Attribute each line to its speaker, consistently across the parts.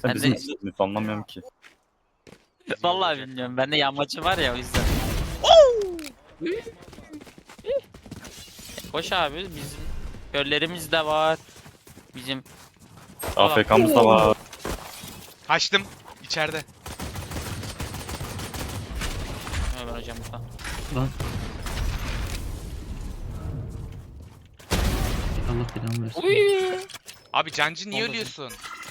Speaker 1: Ben
Speaker 2: bizim
Speaker 1: de
Speaker 2: istediğimizi anlamıyorum ki.
Speaker 1: vallahi bilmiyorum. Bende yağmacı var ya o yüzden. Koş abi bizim göllerimiz de var. Bizim
Speaker 2: AFK'mız da var.
Speaker 3: Kaçtım. İçeride.
Speaker 1: Ömer hocam burada.
Speaker 4: Lan. Allah belamı versin.
Speaker 1: Uy.
Speaker 3: Abi Cancı niye
Speaker 1: Oldu.
Speaker 3: ölüyorsun?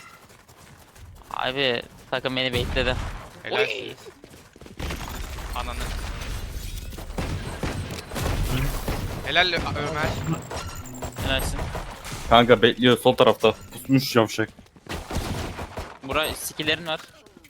Speaker 1: Abi takım beni bekledi.
Speaker 3: Helalsiniz. Ananı. Helal Ömer.
Speaker 1: Helalsin.
Speaker 2: Kanka bekliyor sol tarafta. Pusmuş yavşak.
Speaker 1: Bura skillerin var.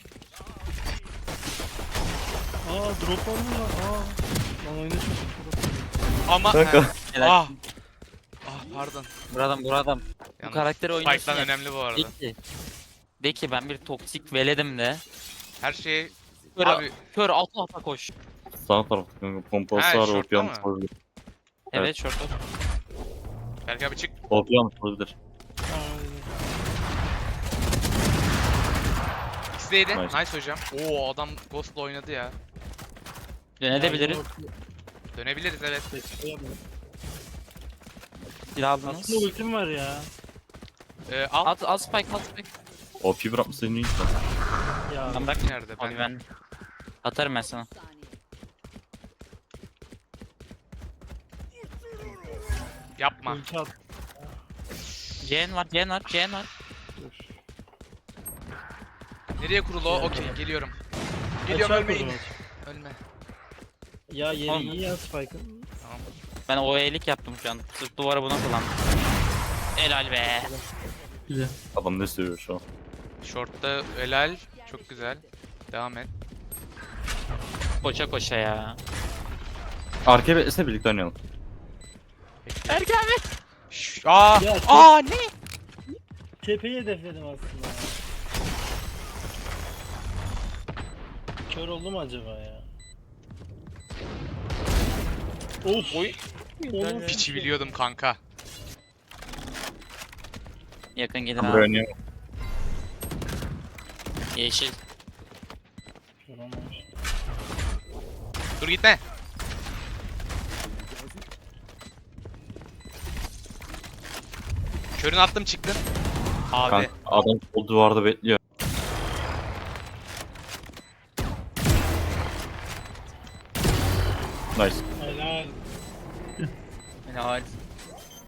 Speaker 5: Aa drop var mı ya? Aa. Lan oyunu çok.
Speaker 3: Ama
Speaker 2: Kanka.
Speaker 1: Helal.
Speaker 3: ah. Ah pardon.
Speaker 1: Buradan. Bu
Speaker 3: Yalnız
Speaker 1: karakteri oynuyorsun
Speaker 3: Spike'dan
Speaker 1: ya.
Speaker 3: önemli bu arada.
Speaker 1: De ki ben bir toksik veledim de.
Speaker 3: Her şey
Speaker 1: Kör,
Speaker 3: abi
Speaker 1: kör ata koş.
Speaker 2: Sağ tarafta kanka pompası
Speaker 3: Ha,
Speaker 2: var.
Speaker 3: şortta
Speaker 2: OP
Speaker 3: mı?
Speaker 2: yanlış olabilir.
Speaker 1: Evet,
Speaker 2: Evet.
Speaker 1: şortu.
Speaker 3: Berk abi çık.
Speaker 2: OP yanlış olabilir.
Speaker 3: X'deydi.
Speaker 2: Nice.
Speaker 3: Nice hocam. Oo adam Ghost'la oynadı ya.
Speaker 1: Dönebiliriz.
Speaker 3: Dönebiliriz evet.
Speaker 1: Silah aldınız.
Speaker 5: Aslında ultim var ya.
Speaker 3: Al.
Speaker 1: Al spike al spike.
Speaker 2: OP bırakmışsın iyi.
Speaker 5: Ya.
Speaker 1: Ben bırak.
Speaker 3: Nerede?
Speaker 1: Abi ben atarım ben sana.
Speaker 3: Yapma.
Speaker 5: Ulti at.
Speaker 1: C'en var.
Speaker 5: Dur.
Speaker 3: Nereye kurulu o? Okey geliyorum. Geliyorum
Speaker 5: Açar
Speaker 3: ölmeyin.
Speaker 5: kurdum aç.
Speaker 3: Ölme.
Speaker 5: Ya yeri
Speaker 1: Oğlum.
Speaker 5: iyi ya Spike'ın.
Speaker 3: Tamam.
Speaker 1: Ben OE'lik yaptım şu an. Sırf duvara buna kullandım. Helal be.
Speaker 4: Güzel.
Speaker 2: Adam ne seviyor şu an.
Speaker 3: Short'ta helal. Çok güzel. Devam et.
Speaker 1: Koşa koşa ya.
Speaker 2: Arkaya beklese birlikte oynayalım.
Speaker 1: Erkan abi.
Speaker 3: Aa!
Speaker 5: Ya,
Speaker 3: Aa ne?
Speaker 5: Tepeyi hedefledim aslında. Kör oldu mu acaba ya? Of.
Speaker 1: Oy.
Speaker 5: Onun
Speaker 3: Piçi biliyordum kanka.
Speaker 1: Yakın gelir
Speaker 2: Ben buraya
Speaker 1: abi.
Speaker 2: oynayamam.
Speaker 1: Yeşil.
Speaker 5: Vuramamış.
Speaker 3: Dur gitme. Körün attım çıktın. Abi.
Speaker 2: Kanka adam sol duvarda bekliyor. Nice.
Speaker 5: Helal.
Speaker 1: Helal.